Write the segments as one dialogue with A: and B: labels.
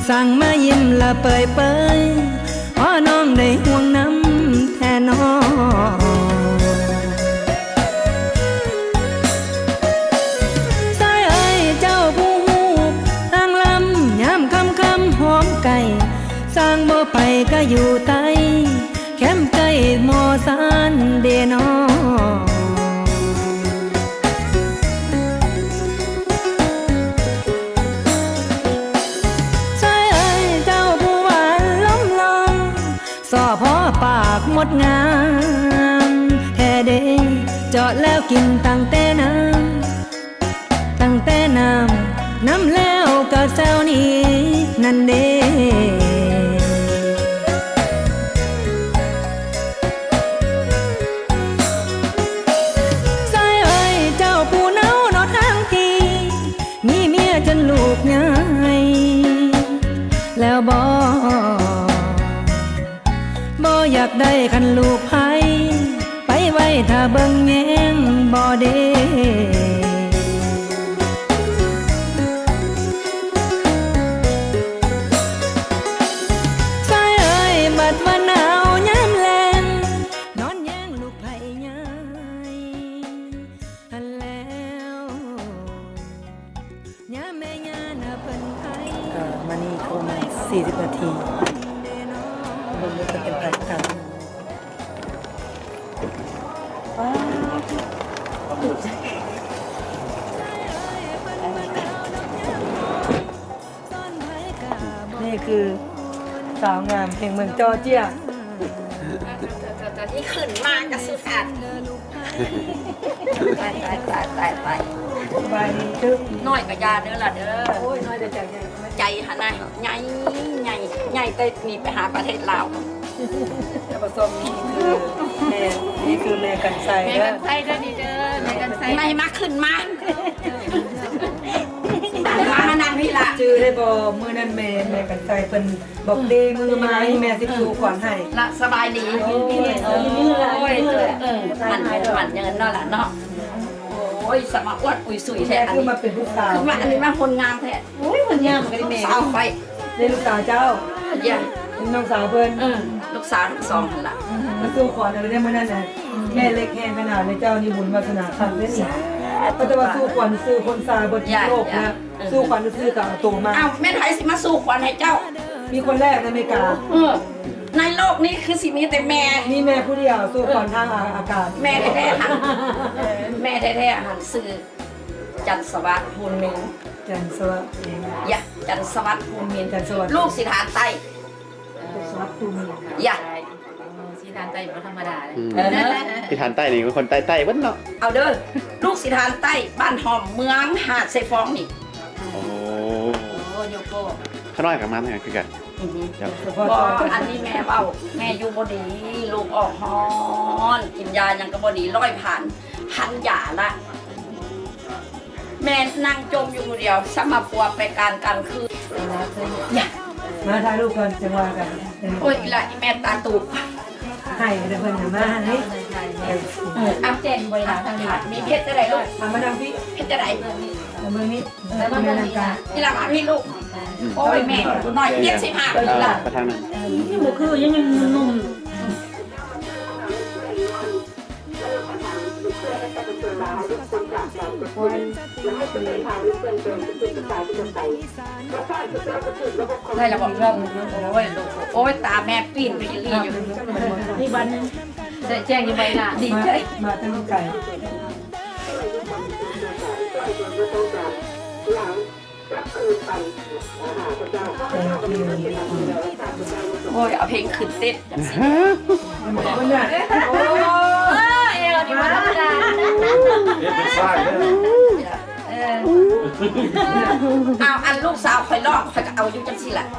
A: สั่งมายิ้มละเปยเปยพอน้องได้ห่วงน้ำแทนน้องสายเอ้ยเจ้าผู้หูทางลำยามคำคำหอมไก่สร้างบ่ไปก็อยู่ใต้แคมป์ใกล้หมอสานเดนอสอพอปากหมดงามแท้เด้เจาะแล้วกินตั้งแต่น้ำแล้วก็แซวนี้นั่นเด้สายเอ้ยเจ้าผู้เนาเนาะทั้งทีมีเมียจนลูกใหญ่แล้วบ่อยากได้คันลูกไผไปไว้ถ้าเบิ่งแยงบ่เด้สายเอ้ยบัดว่าหนาวยามแลงนอนแยงลูกไผใหญ่หันแล้วยามแม่ย่าน่ะเพิ่นไผมานี่โทรมา40 นาทีเบิ่งจะเป็นไผกันนี่คือสาวงามแห่งเมืองจอร์เจีย
B: ที่ขึ้นมากกระสุดอัดตาย
A: สบายดีตึ๊บ
B: น้อยกับยาเด้อล่ะเด้อ
A: โอ้ยน้อยแต่ใจ
B: หะนะใหญ่เต้นี่ไปหาประเทศลาว
A: แต่ผสมนี่คือแม่กันไซ
B: แม่กันไซเด้อดีเด้อแม่กันไซไม่มาขึ้นมานั่งพี่ละ
A: จื้อได้บ่มือนั่นแม่กันไซเป็นบอกเดมือไม้แม่สิบสูขวัญให้
B: ละสบายดีโอ้ยมันเงินเนาะล่ะเนาะโอ้ยสมาอวดปุยสุยแท้
A: คือมาเป็นลูกสาว
B: คือมาอันนี้มาคนงามแท้
A: โอ้ยคนงามกันแม่
B: สาวไป
A: ได้ลูกสาวเจ้า
B: อย่า
A: น้องสาวเพิ่น
B: ลูกสาวทั้งสองนั่นล่ะ
A: มาสู้ขวัญอะไรได้มื้อนั้นน่ะแม่เล็กแห้งขนาดในเจ้านี่บุญวาสนาคันเด้นี่ก็จะว่าสู้ขวัญซื้อคนซาบนโลกนะสู้ขวัญซื้อกับตัวมา
B: อ้าวแม่ไทยสิมาสู้ขวัญให้เจ้า
A: มีคนแรกในอเมริกา
B: ในโลกนี้คือสิมีแต่แม่
A: นี่แม่ผู้เดียวสู้ขวัญทางอากาศ
B: แม่แท้ๆหันแม่แท้ๆหันซื้อจันสวัสดิ์ภูมิน
A: จันสวัสดิ์
B: อย่าจันสวัสดิ์ภูมิน
A: จันสวัสดิ์
B: ลูกสิทานไต
A: สวัสดิ์ภูมิน
B: อย่า
C: สิทานไตบ่ธรรมดาเลย
D: สิทานใต้นี่เป็นคนใต้เบิ้ลเนาะ
B: เอาเด้อลูกสิทานไตบ้านหอมเมืองหาดไซฟองนี่
D: โอ้
C: โยโก้
D: ข้าน้อยกับมันเนี่ยคือกัน
B: บอกอันนี้แม่เบ้าแม่อยู่บ่ดีลูกออกฮอนกินยายังก็บ่ดีร้อยพันยาละแม่นั่งจมอยู่เดียวสมาปัวไปการคืนอย่า
A: มาถ่ายรูปก่อนจะว่ากัน
B: โอ้ยละแม่ตาตูบ
A: ให้เดี๋ยวเพิ่นมาให้
B: อ้ำเจนบริหารทางนี้มีเพชรจะไหนลูก
A: มาทางพี่
B: เพชรจะไหน
A: เมืองนี้
C: แล้วมาเมืองนี้
B: นี่ละมาพี่ลูกโอ้ยแม่หน่อย75ปีละ
D: ประทางนั้น
C: นี่บ่คือยังนุ่ม
B: ได้แล้วบอกโอ้ยลูกโอ้ยตาแม่ปีนไปยืนอยู่
C: นี่บันแจ้งอยู่ใบหน้า
B: ดีใจ
A: มาทั้งไก่
B: โอ้ยเอาเพลงขึ้นเต้น
A: คนน่ะโอ้
C: เอวนี่มันธรรมดา
D: เป็นสร้าง
B: เอาอันลูกสาวคอยลอกคอยก็เอาอยู่จังสิล่ะ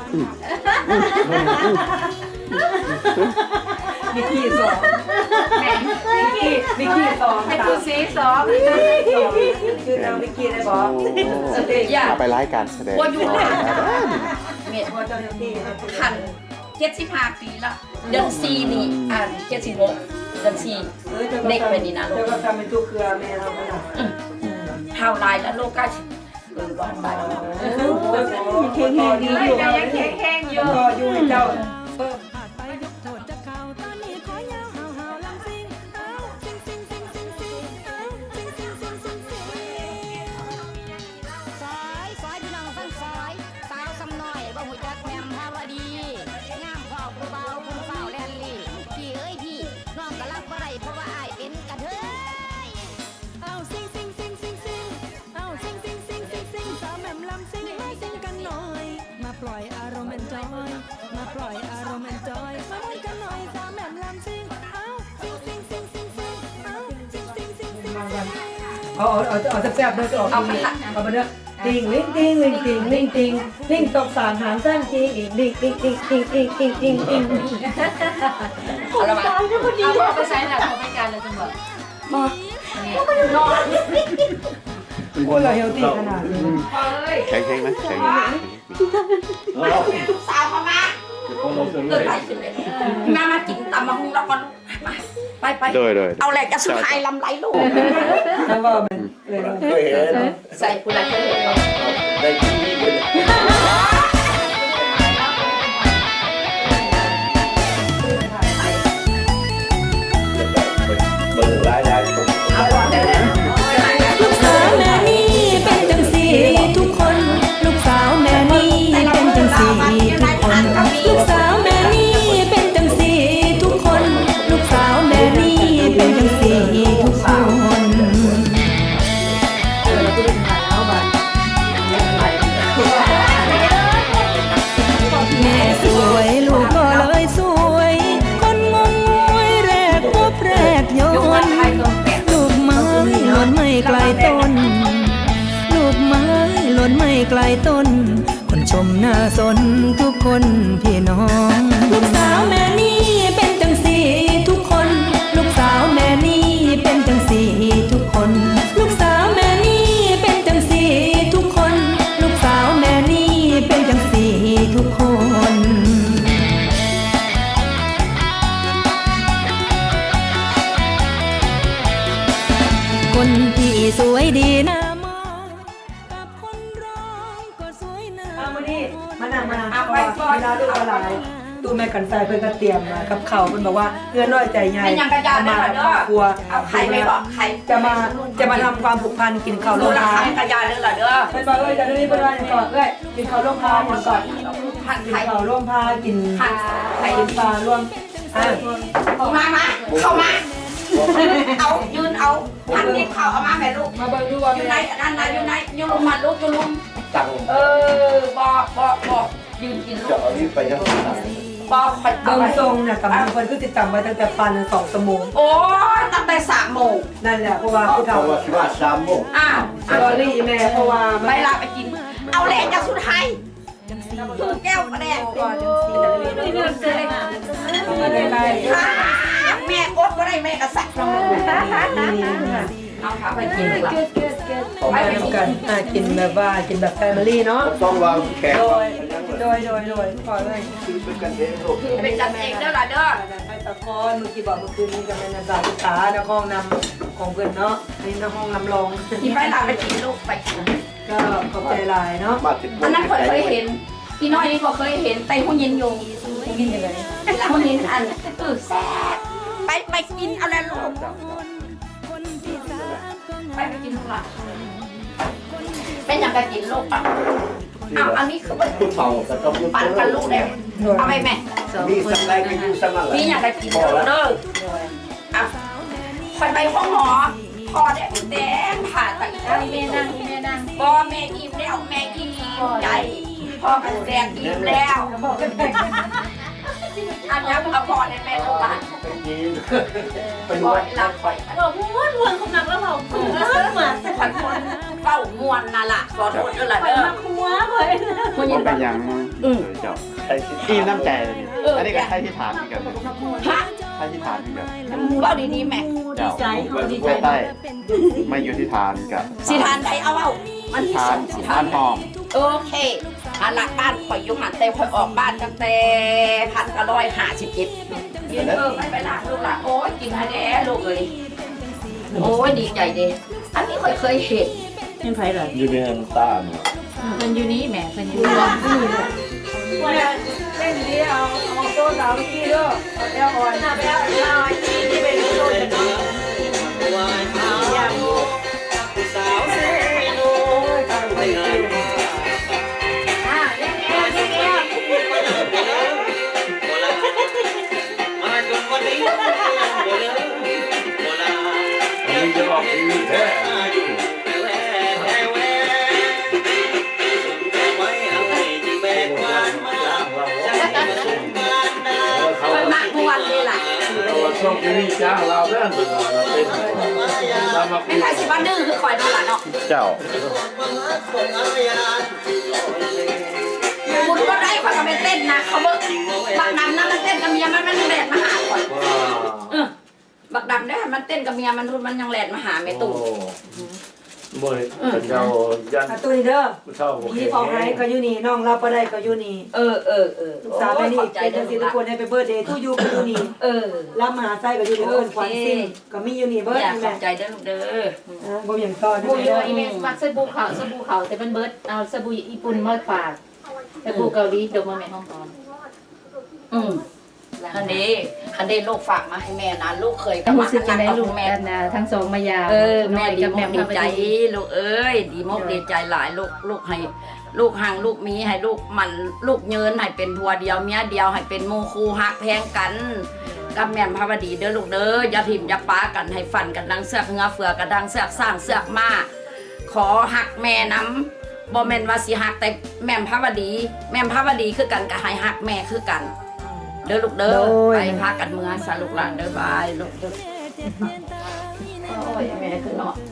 A: มิกกี้สองแม่มิกกี้สอง
C: ให้กูซีสอง
A: ชื่อเรามิกกี้ได้บอก
D: เอาไปรายการแสดง
B: ว่าอยู่เมทว่าเจ้าหน้าที่พัน75 ปีละเดือน4นี่76เดือน4เด็กไปนี่นะ
A: เจ้าก็ทำเป็นตัวเครือแม่เราขนาด
B: เท่าไรแล้วโลกก็บอกได้
A: เข่งดีอยู่
C: ยังแข็งอยู่
A: ก็อยู่เจ้า
E: สายพี่น้องฟังสายสาวสำน้อยบ่หูจักแม่มภาวดีงามพ่อผู้เบาผู้เฝ้าแลนลี่พี่เอ้ยพี่น้องก็รับบ่ได้เพราะว่าอ้ายเป็นกระเทย
A: เอาซิงซิงซิงซิงซิงเอาซิงซิงซิงซิงซิงสาวแหม่มลำซิงให้ซิงกันหน่อย มาปล่อยอารมณ์แอนจอย มาปล่อยอารมณ์แอนจอยมาม่วนกันหน่อยสาวแหม่มลำซิงเอาซิงซิงซิงซิงซิงเอาซิงซิงซิงซิงซิง
F: เอาแซ่บๆเลยออกเอาไปเด้อติงลิงติงลิงติงลิงติงลิงตกสามหางสั้นติงอีกลิงติงติงติงติงติงติงติง
B: เอาละมา
C: เอาไปใช้หลักของรายการเลยจังหวะ
B: นอน
F: พูดเราเฮลตี้ขนาดนี้
D: แข็งไหมแข็ง
B: ลูกสาวมาเกิดอะไรขึ้นเลยมากินตำมะฮุงแล้วก่อนไป
D: โดย
B: เอาแหละจะสุดท้ายลำไรลูก
F: ถ้าว่ามันเลย
B: ใส่ผู้ใดเคยเห็นบ่
A: ลูกสาวแม่นี่เป็นจังสีทุกคน ลูกสาวแม่นี่เป็นจังสีทุกคน ลูกสาวแม่นี่เป็นจังสีทุกคน ลูกสาวแม่นี่เป็นจังสีทุกคน แม่สวยลูกก็เลยสวย คนงงงวยแรกพบแรกโยน ลูกไม้หล่นไม่ไกลต้น ลูกไม้หล่นไม่ไกลต้น คนชมหน้าสนทุกคนพี่น้อง ลูกสาวแม่นี่เป็นจังสีทุกคน ลูกสาวแม่นี่เป็นจังสีทุกคน ลูกสาวแม่นี่เป็นจังสีทุกคน ลูกสาวแม่นี่เป็นจังสีทุกคน คนที่สวยดีหน้ามองกับคนร้องก็สวยหน้า
F: เอามานี่มานั่งมาเอาไปก่อนนะลูกอะไรตู้แม่กันไฟเพิ่นก็เตรียมมากับเขาวเพิ่นบอกว่าเงื่อนน้อยใจใหญ่
B: ไม่ยังกระยาได้
F: มา
B: เหรอ
F: ครอบครัว
B: เอาไข่ไปบอกไข่
F: จะมาทำความผูกพันกินข้าว
B: ลู
F: โร
B: ก
F: ง
B: ละ
F: ทา
B: ไข่
F: น
B: กระยาได้เหรอเด้อ
F: เพิ่นบอกจะได้เพิ่นว่าก่อนกินข้าวโรงทานก่อน
B: ผัด
F: กิน
B: ไข่
F: ข้าวร่วมพากิน
B: ผัดไข่
F: กินปลาร่วมอ่ะ
B: มาเข้ามาเอายืนเอาผัดนี่เขาเอามาแม่ลูก
F: มาเบิ่งดูว่า
B: อยู่
F: เป็น
B: ใน
F: ไง
B: นั่นนะอยู่ในอยู่ลุมมาลูกอยู่ลุมบอกยืนกินลูกบอกคอยเอา
F: เบิ่ง
B: ไป
F: ทรงเนี่ยกับเพิ่นคือติดตามไว้ตั้งแต่ปัน2 ชั่วโมง
B: โอ้ตั้งแต่3 โมง
F: นั่นแหละเพราะว่าผู้เฒ่า
B: อ้าว
F: สตอรี่แม่เพราะว่ามัน
B: ไปลาไปกิน เอาแหลกจากสุดท้ายคือแก้วกระแดง
F: ก่อนจังซี่
C: เรื่องเจอ
F: ไม่ได้ไร
B: แม่อดก็ได้แม่กระสับเอาขาไปกินดีกว่า
F: ไปกันกินแบบว่ากินแบบแฟมิลี่เนาะ
G: ต้องวางแขก
F: โดยขอเลย
G: คือเป็นกันเองลูก
B: เป็นกันเองเด้อล่ะเด้อ
F: ไปตะกอนเมื่อกี้บอกเมื่อคืนนี้กับแม่นันดาศึกษาในห้องนำของเพื่อนเนาะนี่ในห้องนำรอง
B: กินไปลาไปกินลูกไปกิน
F: ก็ขอบใจหลายเนาะ
G: มาติด
B: อันนั้นเคยเห็นพี่น้อยนี่ก็เคยเห็นแต่หุ่นยินอยู่
F: กินยังไง
B: หุ่นยินอันแซ่บไปกินเอาแล้วลูกไปกินลูกหล่ะเป็นอย่างกันกินลูกอ่ะอ้าวอันนี้คือ
G: ผู้เฒ่าแต่ต้องผู้
B: ปั่นกันลูกแล้วเอาไปแม่
G: มีสักไรก็อยู่สักนั่นแหละ
B: มีอย่างไรกินเด้ออ่ะคอยไปห้องหมอพอได้แดงผ่าตัด
C: แม่นั่ง
B: บอแม่อิ่มแล้วแม่อิ่มใหญ่พ่อกันแดงอิ่มแล้วอันนี้เอาพอได้แม่ลูกหลาน
G: ไปกินไป
B: พอ
G: วัด
B: ได้รับคอย
C: บอกม้วนของหนักแล้วเราเหมือน
B: คอยคนเฝ้ามวนน่ะล่ะขอโทษด้วยล่ะ
C: ไป
B: เด้อ
C: มาหัวเลย
B: หุ่นยิ
D: มัน นเป็นอย่างเจ้า
G: ใครคิด
D: อีน้ำใจเลยอันนี้ก็ใช่ที่ฐานเหมือนกัน
B: ฮะ
D: ใช่ที่ฐานเหมือนกัน
B: เล่าดีๆแม่
D: เจ้าใต้ไม่อยู่ที่ฐานกับ
B: สิทานใดเอามันมี
D: ฐา
B: ส
D: น
B: องสิ
D: ฐา
B: ทาน
D: นหอม
B: โอเคอันละบ้านข่อยอยู่หันแต่ข่อยออกบ้านตั้งแต่1957ยืนไม่ไปล้างลูกละโอ้ยกินให้แด้ลูกเลยโอ้ยดีใจเด้อันนี้เคยเห็น
C: เป็นไผล่ะ
D: อยู่ในน้ำตาล
C: เพิ่นอยู่นี้แหมเพิ่นอยู่นี่
F: เล่นดีเอาโซ่สาวกี้เด้อเอาแอลออนไปเอาลอยที่เป็นโซ่กันเนาะ
D: อันนี้จะออกทีวีแท้
B: คอยมากมวนเลยล่ะ
D: เราช่องทีวีจ้างเราเรื่องตัวเราเป็นตามมาคุ
B: ไม่
D: ย
B: ใช่สิว่าดื้อคือคอยดูล่ะเนาะ
D: เจ้า
B: บุญก็ได้คอยก็ไปเต้นนะเขาเบิกบักดำนั่นมันเต้นกับเมียมันยังแหลดมาหาคอยบักดำได้มันเต้นกับเมียมันรุ่นมันยังแหลดมาหาแม่ตู่
D: บ่ยเจ้ายัน
F: ตัวนี้เด้อ
D: ผู้เฒ่าบ่
F: พี่ของไห้ก็อยู่นี่น้องเราบ่ได้ก็อยู่นี่ ลูกสาวไปนี่เป็นจังซี่ทุกคนให้ไปเบิร์ดเดย์ทูยูก็อยู่นี่ รับมหาไส้ก็อยู่นี่เอิ้นขวัญซิ่งก็มีอยู่นี่เบิร์ด
B: อยากข
F: แม่
B: อบใจเด้อลูกเด้อ
F: บ่อย่างต่อ
C: บู
F: เด้
C: อยู่
F: อ
C: อีเมลมักสบู่ขาวแต่มันเบิดเอาสบู่ญี่ปุ่นมาฝากสบู่เกาหลีดมมาแม่ห้องตอน
B: อันนี้ลูกฝากมาให้แม่นะลูกเคยกับ
C: รู้
B: มา
C: สึกจะได้ลูก
B: แม่
C: แม่ทั้งสองมายาว
B: แม่ดี
C: กับ
B: ม
C: แม่
B: กดี
C: พา
B: ใจ
C: ดี
B: ลูกเอ้ยดีมกดีใจหลายลูกให้ลูกห่างลูกมีให้ลูกมันลูกเยินให้เป็นผัวเดียวเมียเดียวให้เป็นหมู่คู่ฮักแพงกันกับแม่พาวดีเด้อลูกเด้ออย่าทิ่มอย่าป้ากันให้ฟันกันดังเสือกเงือเฟือกันดังเสือกสร้างเสือกมาขอหักแม่น้ำบ่แม่นว่าสิหักแต่แม่พาวดีคือกันก็ให้หักแม่คือกันเด้อลูกเด้อไปพากันเมืองสาลูกหลานเด้อบายลูกเด้อโอ้ยแม่คือเนาะ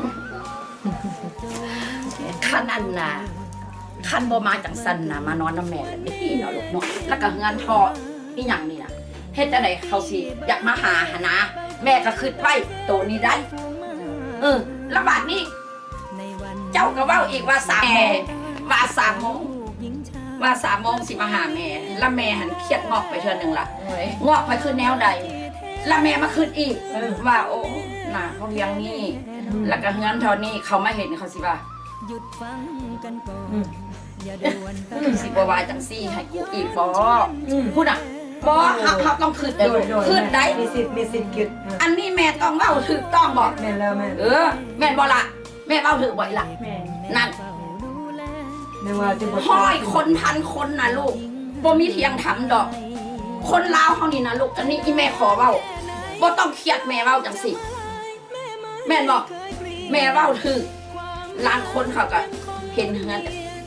B: ขั้นอันน่ะขั้นบ่มาจังสันน่ะมานอนน้ำแม่เลยไม่ดีเนาะลูกเนาะแล้วก็เงินทออีหยังนี่น่ะเฮ็ดจังไดเขาสิอยากมาหาหนนะแม่ก็คิดไว้โตนี้ได้แล้วบาดนี้ เจ้าก็เว้าอีกว่า3 โมงว่า3 โมงว่า3 โมงสิมาหาแม่แล้วแม่หันเครียดงอกไปเทื่อนึงล่ะงอกไปคือแนวใดแล้วแม่มาคิดอีกว่าโอ้น่ะเขาเลี้ยงนี่แล้วก็เงินเท่านี้เขามาเห็นเขาสิว่าหยุดฟังกันก่อนสิบ่ว่าจังซี่ให้กูอีกบ่พูดอ่ะบ่เขาต้องคิดได้คิดได้
F: มีสิทธิ์คิด
B: อันนี้แม่ต้องเว้าถูกต้องบ่
F: แม่นแล้วแม่
B: แม่นบ่ล่ะแม่เว้าถูกบ่ล่ะนั่น
F: แม่ว่าจะบ่
B: ห้อยคนพันคนนะลูกบ่มีเทียงทำดอก คนลาวเฮานี่นะลูกอันนี้อีแม่ขอเว้าบ่ต้องเครียดแม่เว้าจังสิแม่นบอกแม่เว้าถือล้านคนเขาก็เห็นเฮือน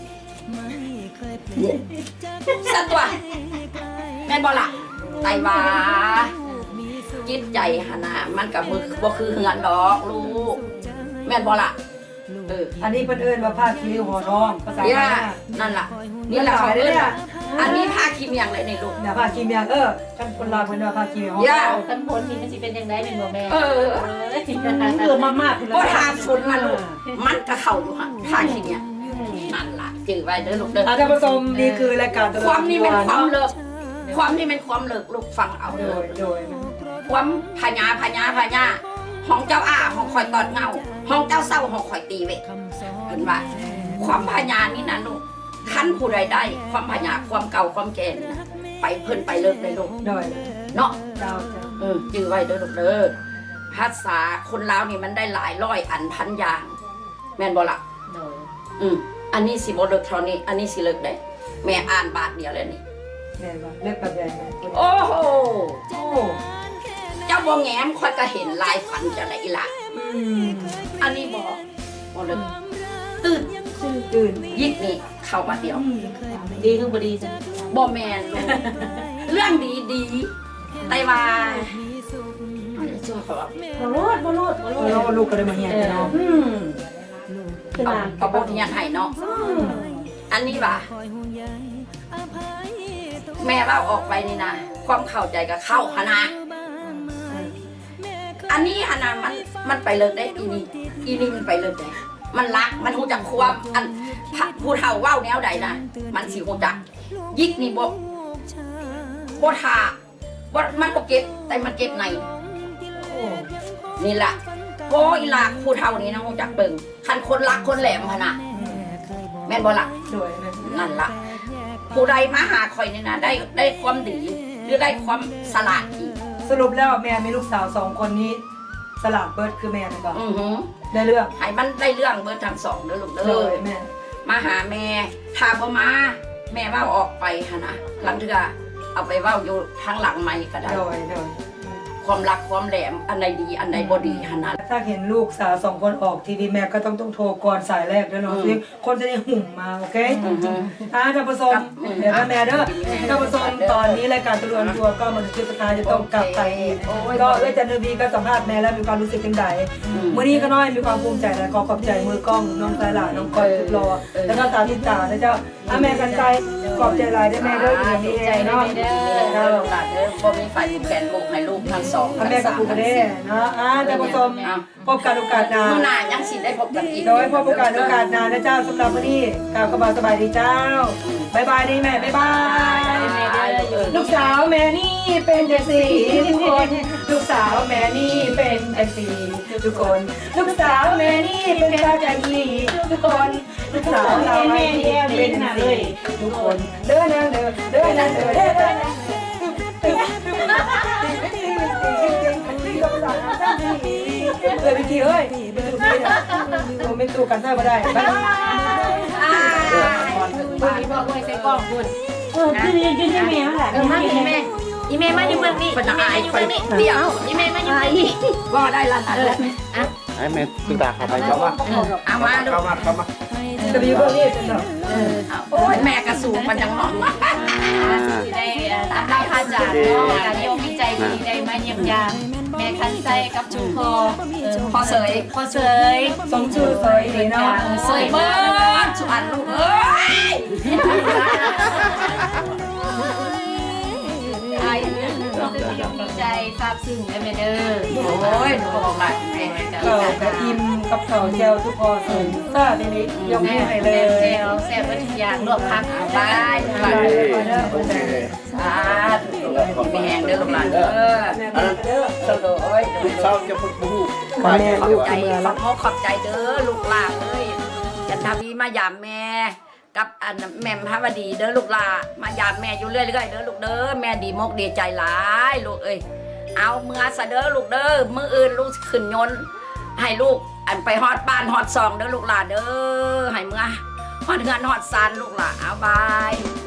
B: สัตว์ตัวแม่นบ่ล่ะไตว่าจิตใจหนนะมันก็บ่คือเฮือนดอกลูกแม่นบ่ล่ะ
F: อันนี้เพิ่นเอิ้นว่าผ้าคีริ้วห่อทองภาษา
B: เนี่ย
F: บ้าน
B: นั่นล่ะนี่แหละเขาเอิ้นว่าอันนี้ผ้าคิมอย่างไรในลูก
F: เดี๋ยวผ้าคีเมียงกันคนลาวเพิ่นว่าผ้าคีริ้วห่อท
B: ย่า
F: อง
C: กันพ้นนี่มันสิเป็นยังไงเป็นบ่แม่
F: มาก
B: ก็ทานฝุ่นมาลูกมันก็เข้าอยู่ค่ะผ้าคิมเนี่ยนั่นล่ะจื่อไว้เด้อลูกเด้อ
F: ท่านผู้ชมนี่คือรายการ
B: ความนี่เป็นความเลิกความนี่เป็นความเลิกลูกฟังเอา
F: โด
B: เด้อย
F: ความ
B: พญาห้องเจ้าห้องคอยตอดเงาห้องเจ้าเศร้าห้องคอยตีเวทเห็นว่าความพญานี่นะลูกขั้นผู้ใดได้ความพญาความเก่าความแก่นี่นะไปเพิ่นไปเลิกได้ลูก
F: โดย
B: เนาะ
F: เจ้า
B: จื้อไว้เด้อลูกเด้อภาษาคนลาวนี่มันได้หลายร้อยอันพันอย่างแม่นบ่ล่ะอันนี้สิบ่เลิกเท่านี้อันนี้สิเลิกได้แม่อ่านบาทเดียวแล้วนี่
F: แม่ว่าเลิกแบบใด
B: โอ้โหเจ้าบ่แง้มค่อยก็เห็นลายฝันจะไหนล่ะอันนี้บ่เลิกตื่นยิกนี่เข้ามาเดียว
C: ดีคือบ่ดีจ้ะ
B: บ่แม่นลูกเรื่องดีไต้ว่าช่วยเขา
C: บ่รอด
F: เราลูกก็ได้มาเฮียนเนาะ
B: เอาบทเรียนให้เนาะอันนี้ว่าแม่เล่าออกไปนี่นะความเข้าใจกับเข้าหนะอันนี้หนะมันไปเลิกได้อีนี่มันไปเลิกได้มันรักมันหูจักความอันผู้เฒ่าเว้าแนวใดนะมันสิหูจักยิกนี่บ่ทาบ่มันบ่เก็บแต่มันเก็บในนี่ล่ะโอ้อีหลากผู้เฒ่านี้นะฮู้จักเบิ่งคันคนรักคนแหลมหั่นน่ะแม่นบ่ล่ะ
F: โดยนะ
B: นั่นล่ะผู้ใดมาหาข่อยนี่นะได้ความดีหรือได้ความสลาดอีก
F: สรุปแล้วแม่มีลูกสาว2คนนี้สลัดเบิร์ดคือแม่นะก่อน
B: อือหือ
F: ได้เรื่อง
B: ให้มันได้เรื่องเบิดทั้งสองเด้อลูก
F: โด
B: เด้อย
F: แม่
B: มาหาแม่ถ้าบ่มาแม่เว้าออกไปหั่นนะหลังเทื่อเอาไปเว้าอยู่ทางหลังใหม่ก็ได้
F: โดย
B: ความรักความแหลมอันใดดีอันใดบ่ดีหั่นนะ
F: ถ้าเห็นลูกสาว2คนออกทีวีแม่ก็ต้องโทรก่อนสายแรกด้วยเนาะคนจะได้หุ่มมาโอเคท่านผู้ชมเดี๋ยวแม่เด้อท่านผู้ชมตอนนี้รายการตะลวนตัวก็มาถึงจุดสุดท้ายจะต้องกลับไปอีกก็จันทวีก็สัมภาษณ์แม่แล้วมีความรู้สึกยังไงมื้อนี้ก็น้อยมีความภูมิใจและขอขอบใจมือกล้องน้องสายหลานน้องก้อยทุกรอแล้วก็สาวติตานะเจ้าแม่กันใจขอบใจหลายได้แม่เด้ออย่างนี้เนาะ
B: เด้อลูกหลานเด้อบ่มีไฟมีแฟนลูกให้ลูกทั้งสอง
F: แม่กับปู่ก็ได้เนาะท่านผู้ชมพบกันโอกาสหน้า
B: มื้อหน้ายังสิได้พบกันอีก
F: โดยพบกันโอกาสหน้านะเจ้าสำหรับวันนี้กล่าวคำว่าสบายดีเจ้าบายบายดีแม่บายบายลูกสาวแม่นี่เป็นจังสีทุกคนลูกสาวแม่นี่เป็นจังสีทุกคนลูกสาวแม่นี่เป็นตาใจดีทุกคนลูกสาวเราแม่นี่เป็นจังสีทุกคนเดินนางเดินเดินนางเดินเดินนางวิธีเอ้ยไม่ตู้กันเท่าก็ได้
C: คุณอีบอกไว้ใส่กล้องคุณ
A: คือยืนแม่แหละ
C: มาอีแม่อีแม่มาอยู่เมืองนี้
B: เป็นอาย
C: อยู่
B: ข่อ
C: เมื
B: ย
C: องนี้
B: เดี๋ยว
C: อีแม่มาอยู่เมืองนี้
B: บ่ได้ละนั่นแหละ
D: ให้แม่ตึกตาเข้าไป
G: เข้ามา
B: เอามาลู
G: เข้าก มาเข้ามา
F: จะไปอยู่พวกนี้เป็นหรอ
B: โอ้ยแม่กระสูงมันยังมอง
C: สิได้ตามได้พาจากเนาะการโยมวิจัยดีได้มาเยี่ยมยามแม่คันใจกับชุมพอ
B: พอเสย
C: พอเสย
F: สมชื่อเสยดีเนาะ
B: เสยเบิดสุอันลูกเอ้ย
C: ไอ้เรื่องจะยอมวิจัยทราบซึ้งได้ไหมเด้อ
B: โอ้ยลูกบอกหลานแม่จะ
F: เก่ากระทิมกับเข่าเจลทุกพอสมซาทีนี้ยกให้เลย
C: เจลแซ่บทุกอย่างรวบพัก
B: บายลูกหลานเด้อ
G: โอเค
B: สาธุมีแหงเด้อลูกหลานเด้อ
F: อันนั้นเด้อ
B: โอ้ย
G: ลูกสาวจะพูดบู๊
F: แม่ลูก
B: ใจ
F: เมื่อ
B: ข
F: ละ
B: อบใจเด้อลูกหลานเอ้ยจันทวีมายามแม่กับอันแม่มพระวดีเด้อลูกหลานมายามแม่อยู่เรื่อยๆเด้อลูกเด้อแม่ดีมกดีใจหลายลูกเอ้ยเอาเมื่อซะเด้อลูกเด้อมื้ออื่นลูกขึ้นยนต์ให้ลูกอันไปฮอดบ้านฮอดซองเด้อลูกหลานเด้อให้เมื่อฮอดเฮือนฮอดซานลูกหลานเอาบาย